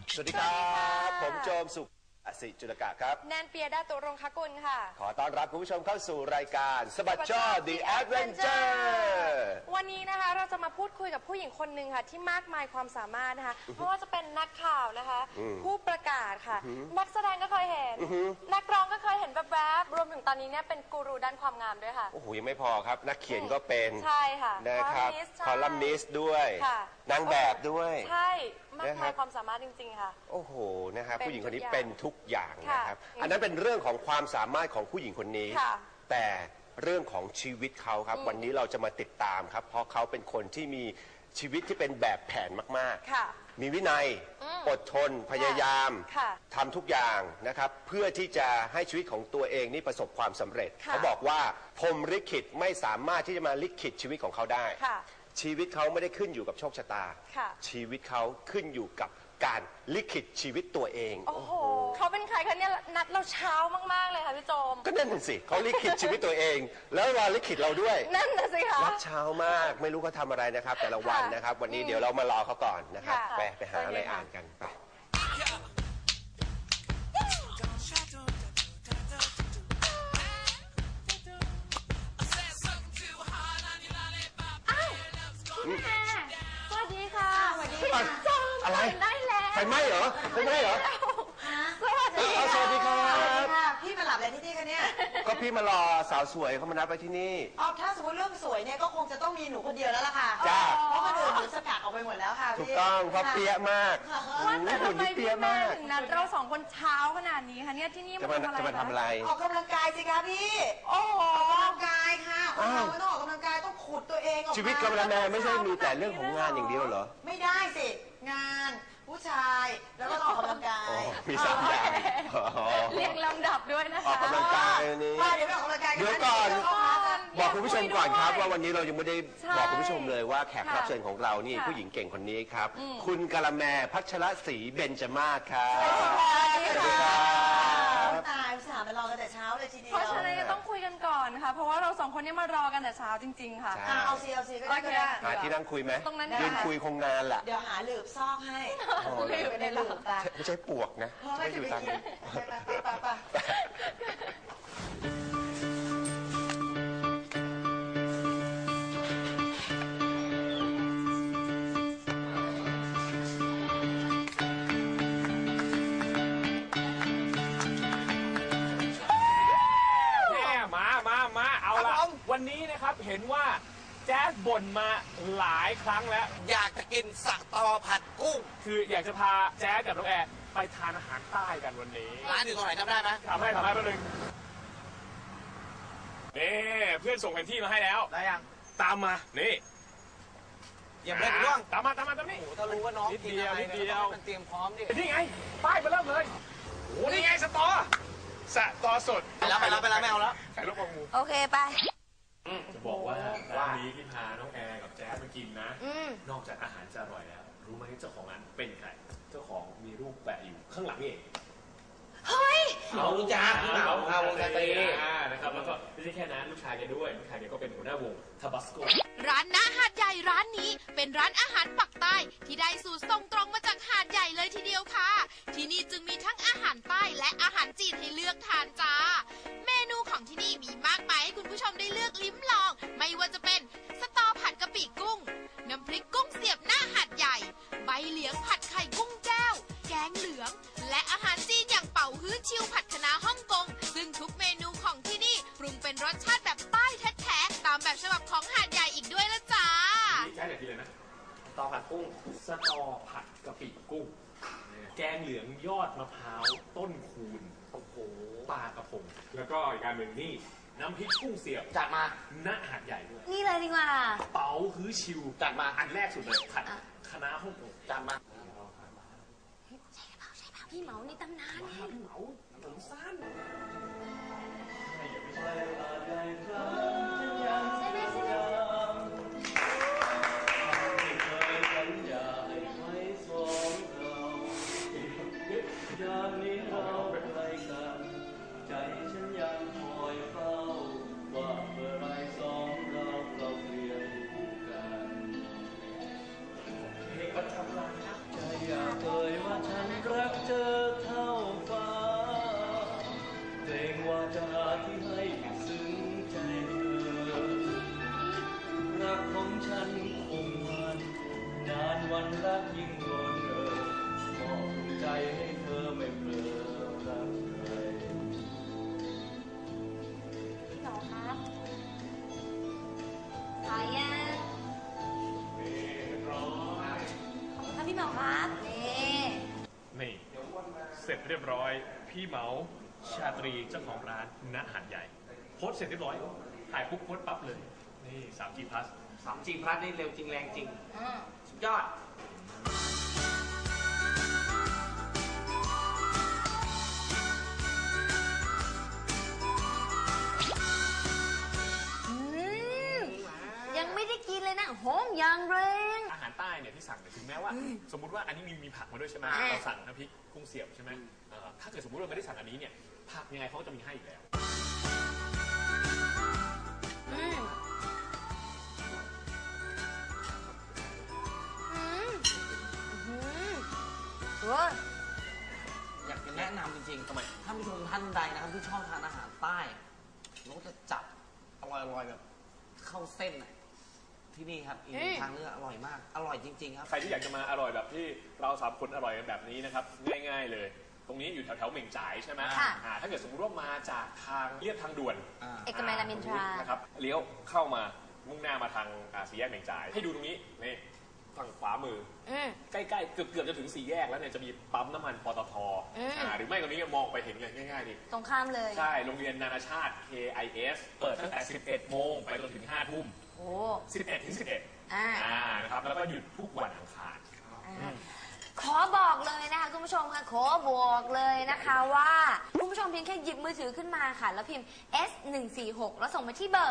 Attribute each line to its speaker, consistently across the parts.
Speaker 1: สวัสดีครับผมโจมสุขอสิจุลกะครับ
Speaker 2: แนนเปียดาตุรงคกุลค่ะ
Speaker 1: ขอต้อนรับคุณผู้ชมเข้าสู่รายการสบัดจ้อ The Adventure
Speaker 2: วันนี้นะคะเราจะมาพูดคุยกับผู้หญิงคนหนึ่งค่ะที่มากมายความสามารถนะคะเพราะว่าจะเป็นนักข่าวนะคะผู้ประกาศค่ะนักแสดงก็เคยเห็นนักร้องก็เคยเห็นแวบๆรวมถึงตอนนี้เนี่ยเป็นกูรูด้านความงามด้วยค่ะ
Speaker 1: โอ้โหยังไม่พอครับนักเขียนก็เป็น
Speaker 2: ใช่ค่ะ
Speaker 1: นะครับคอลัมนิสต์ด้วยนางแบบด้วย
Speaker 2: ใช่มากมายความสามารถจริงๆค่ะ
Speaker 1: โอ้โหนะครับผู้หญิงคนนี้เป็นทุกอย่างนะครับอันนั้นเป็นเรื่องของความสามารถของผู้หญิงคนนี้แต่เรื่องของชีวิตเขาครับวันนี้เราจะมาติดตามครับเพราะเขาเป็นคนที่มีชีวิตที่เป็นแบบแผนมากๆมีวินัยอดทนพยายามทำทุกอย่างนะครับเพื่อที่จะให้ชีวิตของตัวเองนี่ประสบความสำเร็จเขาบอกว่าพรหมลิขิตไม่สามารถที่จะมาลิขิตชีวิตของเขาได้ชีวิตเขาไม่ได้ขึ้นอยู่กับโชคชะตาชีวิตเขาขึ้นอยู่กับการลิขิตชีวิตตัวเอง
Speaker 2: โอ้โหเขาเป็นใครคะเนี่ยนัดเราเช้ามากๆเลยค่ะพี่โจม
Speaker 1: ก็นั่นสิเขาลิขิตชีวิตตัวเองแล้วมาลิขิตเราด้วย
Speaker 2: นั่นน่ะสิคะ
Speaker 1: นัดเช้ามากไม่รู้เขาทำอะไรนะครับแต่ละวันนะครับวันนี้เดี๋ยวเรามารอเขาก่อนนะครับไปหาอะไรอ่านกันไป
Speaker 2: สวัสดีค่ะสวัสดีค่ะ
Speaker 1: อะไร
Speaker 2: ได้แล้ว
Speaker 1: ไฟไหม้เหรอไฟไหม้เหรอสวัสดีครับ
Speaker 3: พี่มาหลับอะไรที่นี่คะเนี่ย
Speaker 1: ก็พี่มารอสาวสวยเขามานัดไปที่นี่
Speaker 3: อ๋อถ้าสมมติเรื่องสวยเนี่ยก็คงจะต้องมีหนูคนเดียวแล้วล่ะค่ะ
Speaker 1: จ้า
Speaker 3: เพราะคนอื่นหนูสกัดออกไปหมดแล้วค่ะ
Speaker 1: ถูกต้องเพราะเปี้ยมาก
Speaker 2: ว่าแต่ทำไมพี่แม่ถึงนัดเราสองคนเช้าขนาดนี้คะเนี่ยที่นี่
Speaker 1: จะมาทำอะไร
Speaker 3: ออกกำลังกายสิคะพี่โอ้ออกกำลังกายค่ะคนเราไม่ต้องออกกำลังกายต้องขุดตัวเองออกมา
Speaker 1: ชีวิตกำลังแม่ไม่ใช่มีแต่เรื่องของงานอย่างเดียวเหรอ
Speaker 3: ไม่ได้สิงานผู้ชายแล้วก็ออกกำลังกาย
Speaker 1: มี3 อย่าง
Speaker 2: เรียงลำดับด้วยนะคะ
Speaker 1: ออกกำลังกายนี้
Speaker 3: เดี๋ยวออกกำลังกาย
Speaker 1: เดี๋ยวก่อนบอกคุณผู้ชมก่อนครับว่าวันนี้เรายังไม่ได้บอกคุณผู้ชมเลยว่าแขกรับเชิญของเรานี่ผู้หญิงเก่งคนนี้ครับคุณกะละแมพัชรศรีเบญจมาศครับ
Speaker 3: สวัสดีครับตายสามไปรอกันแต่เช้าเลยทีเดียว
Speaker 2: เพราะฉะนั้นต้องคุยกันก่อนค่ะเพราะว่าเราสองคนนี้มารอกันแต่เช้าจริงๆค่ะ
Speaker 3: เอาซีก็ได้
Speaker 1: หาที่นั่งคุยไหม
Speaker 2: ตรงนั้น
Speaker 1: ยืนคุยคงนานแหละ
Speaker 3: เดี๋ยวหาหลืบซอกให้
Speaker 2: ไม่ได้หลืบ
Speaker 1: ไม่ใช่ปวกนะ
Speaker 3: ไม่อยู่ตาม
Speaker 4: วันนี้นะครับเห็นว่าแจ๊สบ่นมาหลายครั้งแล้ว
Speaker 5: อยากจะกินสักตอผัดกุ้ง
Speaker 4: คืออยากจะพาแจ๊สกับน้องแอร์ไปทานอาหารใต้กันวันนี้
Speaker 5: ร้านอยู่ตรงไหนจำได้ไหม
Speaker 4: ทำให้แป๊บนึงนี่เพื่อนส่งแผนที่มาให้แล้ว
Speaker 5: ได้ยัง
Speaker 4: ตามมานี่
Speaker 5: อย่าเล่นร่วง
Speaker 4: ตามมานี่
Speaker 5: โอ้ถ้ารู้ว่าน้องกินอะไรเนี่ยมันเตรียมพร้อมดิ
Speaker 4: นี่ไงป้ายมาเริ่มเลยโอ้นี่ไงสตอสด
Speaker 5: ไปแล้วไม่เอาแล้ว
Speaker 4: ใส่ลูกกระหู
Speaker 2: โอเคไป
Speaker 4: จะบอกว่าร้านนี้ที่พาน้องแอร์กับแจ๊สมากินนะนอกจากอาหารจะอร่อยแล้วรู้ไหมเจ้าของร้านเป็นใครเจ้าของมีรูปแปะอยู่ข้างหลังนี่เอง
Speaker 2: เฮ้ย
Speaker 5: เรารู้จักเราวงดนตรี
Speaker 4: นะครับแล้วก็ไม่ใช่แค่นั้นลูกชายแกด้วยลูกชายแกก็เป็นหัวหน้าวงทาบาสโก
Speaker 6: ร้านณหาดใหญ่ร้านนี้เป็นร้านอาหารปักใต้ที่ได้สูตรส่งตรงมาจากหาดใหญ่เลยทีเดียวค่ะที่นี่จึงมีทั้งอาหารใต้และอาหารจีนให้เลือกทานจ้าเมนูของที่นี่มีมากมายให้คุณผู้ชมได้เลือกลิ้มลองไม่ว่าจะเป็นสตอผัดกะปิกุ้งน้ำพริกกุ้งเสียบหน้าหาดใหญ่ใบเหลียงผัดไข่กุ้งแก้วแกงเหลืองและอาหารจีนอย่างเป่าฮื้อชิวผัดคะน้าฮ่องกงซึ่งทุกเมนูของที่นี่ปรุงเป็นรสชาติแบบใต้แท้ๆตามแบบฉบับของหาดใหญ่อีกด้วยละจ้า
Speaker 4: ใช่เลยนะ
Speaker 5: สตอผัดกุ้ง
Speaker 4: สตอผัดกะปิกุ้งแกงเหลืองยอดมะพร้าวต้นคูณ
Speaker 5: โอ้โห
Speaker 4: ปลากระพงแล้วก็อีกการหนึ่งนี่น้ำพริกกุ้งเสียบ
Speaker 5: จัดมา
Speaker 4: ณหาดใหญ่ด้วย
Speaker 2: นี่เลยดีกว่า
Speaker 4: เป๋าฮื้อชิว
Speaker 5: จัดมา
Speaker 4: อันแรกสุดเลยผัดคะน้าฮ่องกง
Speaker 5: จัดมา
Speaker 2: ใช่พี่เหมาในตำนานไง
Speaker 4: พี่เหมาผมสั้น
Speaker 5: อยากเคยว่าฉัน
Speaker 4: เสร็จเรียบร้อยพี่เหมาชาตรีเจ้าของร้านณหาดใหญ่โพสต์เสร็จเรียบร้อยถ่ายปุ๊บโพสต์ปั๊บเลยนี่ 3G Plus
Speaker 5: 3G Plus นี่เร็วจริงแรงจริงสุดยอด
Speaker 2: ยังไม่ได้กินเลยนะหอมอย่างแรง
Speaker 4: อาหารใต้เนี่ยที่สั่งเนี่ยถึงแม้ว่า สมมุติว่าอันนี้มีผักมาด้วยใช่ไหมเราสั่งน้ำพริกกุ้งเสียบใช่ไหมถ้าเกิดสมมติเราไม่ได้สั่งอันนี้เนี่ยผักยังไงเขาก็จะมีให้อยู่แล้ว
Speaker 5: อยากจะแนะนำจริงๆ
Speaker 4: ทำไม
Speaker 5: ท่านผู้ชมท่านใดนะครับที่ชอบทานอาหารใต้แล้วจะจับอร่อยๆแบบเข้าเส้นน่ะที่นี่ครับอีกทางเลือกอร่อยมากอร่อยจริงๆครับ
Speaker 4: ใครที่อยากจะมาอร่อยแบบที่เรา3 คนอร่อยกันแบบนี้นะครับง่ายๆเลย ตรงนี้อยู่แถวๆเหม่งจ่ายใช่ไหม
Speaker 2: ค่ะ
Speaker 4: ถ้าเกิดสมมติว่ามาจากทางเลียบทางด่วน
Speaker 2: เอกมัยรามอินทรา
Speaker 4: นะครับเลี้ยวเข้ามามุ่งหน้ามาทางสี่แยกเหม่งจ่าย ให้ดูตรงนี้นี่ฝั่งขวามือใกล้ๆเกือบจะถึง4 แยกแล้วเนี่ยจะมีปั๊มน้ำมันปตทหรือไม่ตรงนี้มองไปเห็นเลยง่ายๆดิ
Speaker 2: ตรงข้ามเลย
Speaker 4: ใช่โรงเรียนนานาชาติ KIS เปิดตั้งแต่ 11 โมงไปจนถึง 5 ทุ่ม
Speaker 2: โอ้
Speaker 4: 11 ถึง 11 นะครับแล้วก็หยุดทุกวันอังคาร
Speaker 2: ขอบอกเลยนะคะคุณผู้ชมค่ะขอบอกเลยนะคะว่าคุณผู้ชมเพียงแค่หยิบมือถือขึ้นมาค่ะแล้วพิมพ์ S146 แล้วส่งมาที่เบอร์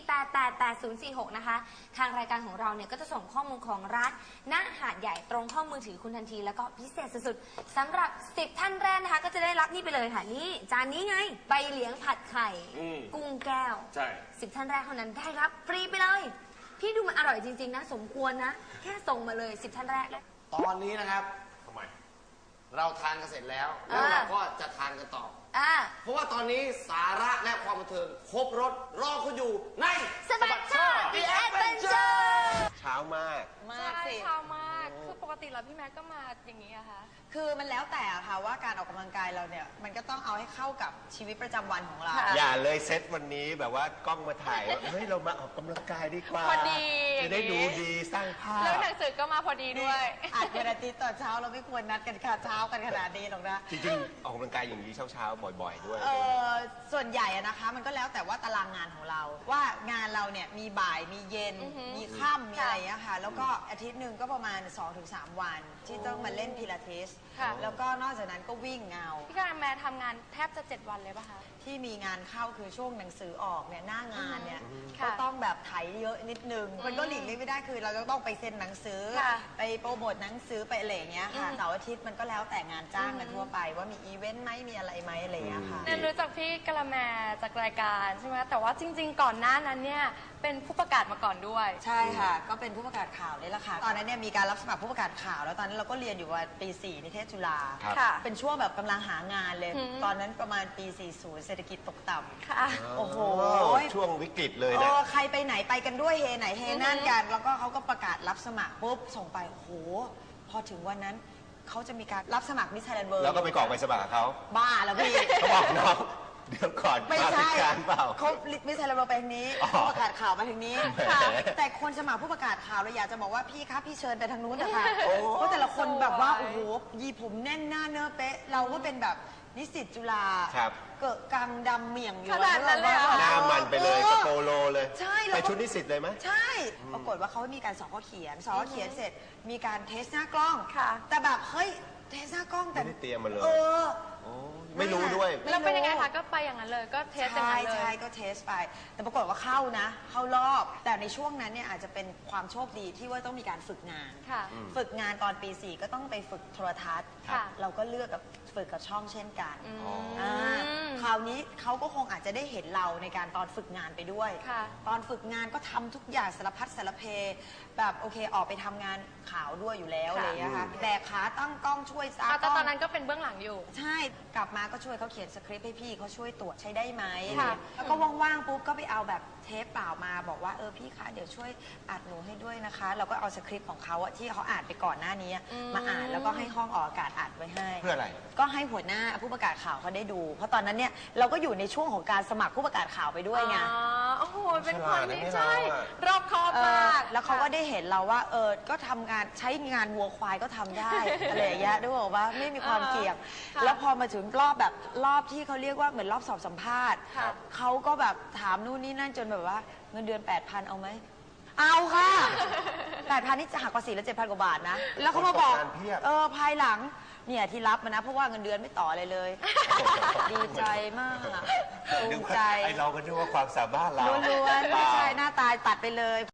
Speaker 2: 4888046 นะคะทางรายการของเราเนี่ยก็จะส่งข้อมูลของร้านณหาดใหญ่ตรงข้อมือถือคุณทันทีแล้วก็พิเศษสุดๆสำหรับ10 ท่านแรกนะคะก็จะได้รับนี่ไปเลยค่ะนี่จานนี้ไงใบเหลียงผัดไข่กุ้งแก้ว
Speaker 4: ใช่
Speaker 2: 10 ท่านแรกเท่านั้นได้รับฟรีไปเลยพี่ดูมันอร่อยจริงๆนะสมควรนะแค่ส่งมาเลย10 ท่านแรกเลย
Speaker 5: ตอนนี้นะครับ
Speaker 4: ทำไม
Speaker 5: เราทานกันเสร็จแล้วแล้วเราก็จะทานกันต่อเพราะว่าตอนนี้สาระและความบันเทิงครบรสรอคุณอยู่ใน
Speaker 2: สบัดช่อ The Adventure
Speaker 1: เช้ามาก
Speaker 3: มากสิ
Speaker 2: เช้ามาก คือปกติแล้วพี่แม็กก็มาอย่างนี้อะคะ
Speaker 3: คือมันแล้วแต่ค่ะว่าการออกกำลังกายเราเนี่ยมันก็ต้องเอาให้เข้ากับชีวิตประจำวันของเรา
Speaker 1: อย่าเลยเซตวันนี้แบบว่ากล้องมาถ่ายว่าเฮ้ยเรามาออกกำลังกายดีกว่า
Speaker 2: พอดี
Speaker 1: จะได้ดูดีสร้างภาพ
Speaker 2: แล้วหนังสือก็มาพอดีด้วย
Speaker 3: อาจวันอาทิตย์ตอนเช้าเราไม่ควรนัดกันค่ะเช้ากันขนาดนี้หรอกนะ
Speaker 1: จริงๆออกกำลังกายอย่างนี้เช้าๆบ่อย ๆ ด้วย
Speaker 3: ส่วนใหญ่อะนะคะมันก็แล้วแต่ว่าตารางงานของเรา ว่างานเราเนี่ยมีบ่ายมีเย็น มีค่ำมีอะไรอย่างเงี้ยค่ะแล้วก็อาทิตย์หนึ่งก็ประมาณ 2-3 วัน ที่ต้องมาเล่นพิลาทิส
Speaker 2: ค่ะ
Speaker 3: แล้วก็นอกจากนั้นก็วิ่งเงา
Speaker 2: พี่การแม่ทำงานแทบจะ7 วันเลยป่ะคะ
Speaker 3: ที่มีงานเข้าคือช่วงหนังสือออกเนี่ยหน้างานเนี่ย
Speaker 2: ค่ะ
Speaker 3: ก็ต้องแบบไถเยอะนิดนึงมันก็หลีกเลี่ยงไม่ได้คือเราจะต้องไปเซ็นหนังสือ
Speaker 2: ค่ะ
Speaker 3: ไปโปรโมทหนังสือไปอะไรอย่างเงี้ยค่ะเสาร์อาทิตย์มันก็แล้วแต่งานจ้างกันทั่วไปว่ามีอีเวนต์ไหมมีอะไรไหมอะไรอย่างเงี้ยค่ะ
Speaker 2: แนนรู้จักพี่กะละแมจากรายการใช่ไหมแต่ว่าจริง ๆ ก่อนหน้านั้นเนี่ยเป็นผู้ประกาศมาก่อนด้วย
Speaker 3: ใช่ค่ะ ก็เป็นผู้ประกาศข่าวนี่แหละค่ะ ตอนนั้นเนี่ยมีการรับสมัครผู้ประกาศข่าว แล้วตอนนั้นเราก็เรียนอยู่ว่าปี 4 นิเทศจุฬา
Speaker 1: ครับ
Speaker 2: ค่ะ
Speaker 3: เป็นช่วงแบบกำลังหางานเลย ตอนนั้นประมาณปี 40 เศรษฐกิจตกต่ำ
Speaker 2: ค่ะ
Speaker 3: โอ้โห
Speaker 1: ช่วงวิกฤตเลยนะ
Speaker 3: ใครไปไหนไปกันด้วยเฮไหนเฮนั่นกัน แล้วก็เขาก็ประกาศรับสมัครปุ๊บส่งไป โอ้โห พอถึงวันนั้นเขาจะมีการรับสมัครมิสไทยแลนด์เวิร์
Speaker 1: แล้วก็ไปกรอกใบสมัครกับเขา
Speaker 3: บ้าแล้วพี่
Speaker 1: เขาบอกน้องเดี๋ยวก่อน
Speaker 3: ไม่
Speaker 1: มา
Speaker 3: ใช่
Speaker 1: พิการเปล่า
Speaker 3: เขามิสไทยแลนด์เวิร์ไปทางนี้
Speaker 1: อ๋อ
Speaker 3: ผู้ประกาศข่าวมาทางนี้
Speaker 1: แหม
Speaker 3: ค่ะแต่คนสมัครผู้ประกาศข่าวเราอยากจะบอกว่าพี่ครับพี่เชิญไปทางนู้นนะคะ
Speaker 1: โอ้
Speaker 3: เพราะแต่ละคนแบบว่าโอ้โหยีผมแน่นหน้าเนื้อเป๊ะ เราก็เป็นแบบนิสิตจุฬา
Speaker 1: ครับ
Speaker 3: เกิดกังดำเหมี่ยงอยู่
Speaker 2: ขนาดนั้นเลยเหรอ
Speaker 1: หน้ามันไปเลยกระโปโลเลย
Speaker 3: ใช่
Speaker 1: ไปชุดนิสิตเลยไหม
Speaker 3: ใช่ ปรากฏว่าเขามีการสอบข้อเขียนสอบข้อเขียนเสร็จ มีการเทสหน้ากล้อง
Speaker 2: ค่ะ
Speaker 3: แต่แบบเฮ้ยเทสหน้ากล้องแต่
Speaker 1: ไม่ได้เตรียมมาเลย
Speaker 3: เออ
Speaker 1: โอ้ไม่รู้ด้วย
Speaker 2: แล้วเป็นยังไงคะก็ไปอย่างนั้นเลยก็เทสอย่าง
Speaker 3: ใช่
Speaker 2: นั้นเลย
Speaker 3: ใช่ก็เทสไป แต่ปรากฏว่าเข้านะ เข้ารอบ แต่ในช่วงนั้นเนี่ยอาจจะเป็นความโชคดีที่ว่าต้องมีการฝึกงาน
Speaker 2: ค่ะ
Speaker 3: ฝึกงานตอนปี 4 ก็ต้องไปฝึกโทรทัศน์
Speaker 2: ค่ะ
Speaker 3: เราก็เลือกกับฝึกกับช่องเช่นกัน
Speaker 1: อ๋อ
Speaker 3: คราวนี้เขาก็คงอาจจะได้เห็นเราในการตอนฝึกงานไปด้วย
Speaker 2: ค่ะ
Speaker 3: ตอนฝึกงานก็ทำทุกอย่างสารพัดสารเพแบบโอเคออกไปทำงานข่าวด้วยอยู่แล้วอะไรอย่างเลยนะคะแบกขาตั้งกล้องช่วยตา
Speaker 2: แต่
Speaker 3: กล้อง
Speaker 2: ตอนนั้นก็เป็นเบื้องหลังอยู่
Speaker 3: ใช่ กลับมาก็ช่วยเขาเขียนสคริปต์ให้พี่เขาช่วยตรวจใช้ได้ไหม
Speaker 2: ค่ะ
Speaker 3: แล้วก็ว่างๆปุ๊บก็ไปเอาแบบเทปเปล่ามาบอกว่าพี่คะเดี๋ยวช่วยอัดหนูให้ด้วยนะคะเราก็เอาสคริปต์ของเขาที่เขาอ่านไปก่อนหน้านี้มาอ่านแล้วก็ให้ห้องออกอากาศอัดไว้ให้
Speaker 1: เพื่ออะไร
Speaker 3: ก็ให้หัวหน้าผู้ประกาศข่าวเขาได้ดู เพราะตอนนั้นเนี่ยเราก็อยู่ในช่วงของการสมัครผู้ประกาศข่าวไปด้วยไง
Speaker 2: โอ้โหเป็นคนที่
Speaker 1: ฉลา
Speaker 2: ใช่
Speaker 1: ดนะ
Speaker 2: รอบคอบมาก
Speaker 3: แล้วเขาก็ได้เห็นเราว่าก็ทำงานใช้งานวัวควายก็ทำได้ อะไรอย่างเงี้ยด้วยบอกว่าไม่มีความเกี่ยง
Speaker 2: ค่ะ
Speaker 3: แล้วพอมาถึงรอบที่เขาเรียกว่าเหมือนรอบสอบสัมภาษณ์
Speaker 2: ครับ
Speaker 3: เขาก็แบบถามนู่นนี่นั่นจนแบบว่าเงินเดือน 8,000 เอาไหมเอาค่ะ 8,000 นี่จะหักภาษีแล้ว 7,000 กว่าบาทนะ แล้วเขามาบอก
Speaker 1: คนตกงานเพียบ
Speaker 3: ภายหลังเนี่ยที่รับมานะเพราะว่าเงินเดือนไม่ต่ออะไรเลย ดีใจมากภูมิใจ
Speaker 1: ไอเราก็นึกว่าความสามารถเรา
Speaker 3: ล้วนๆไม่ใช่หน้าตาตัดไปเลย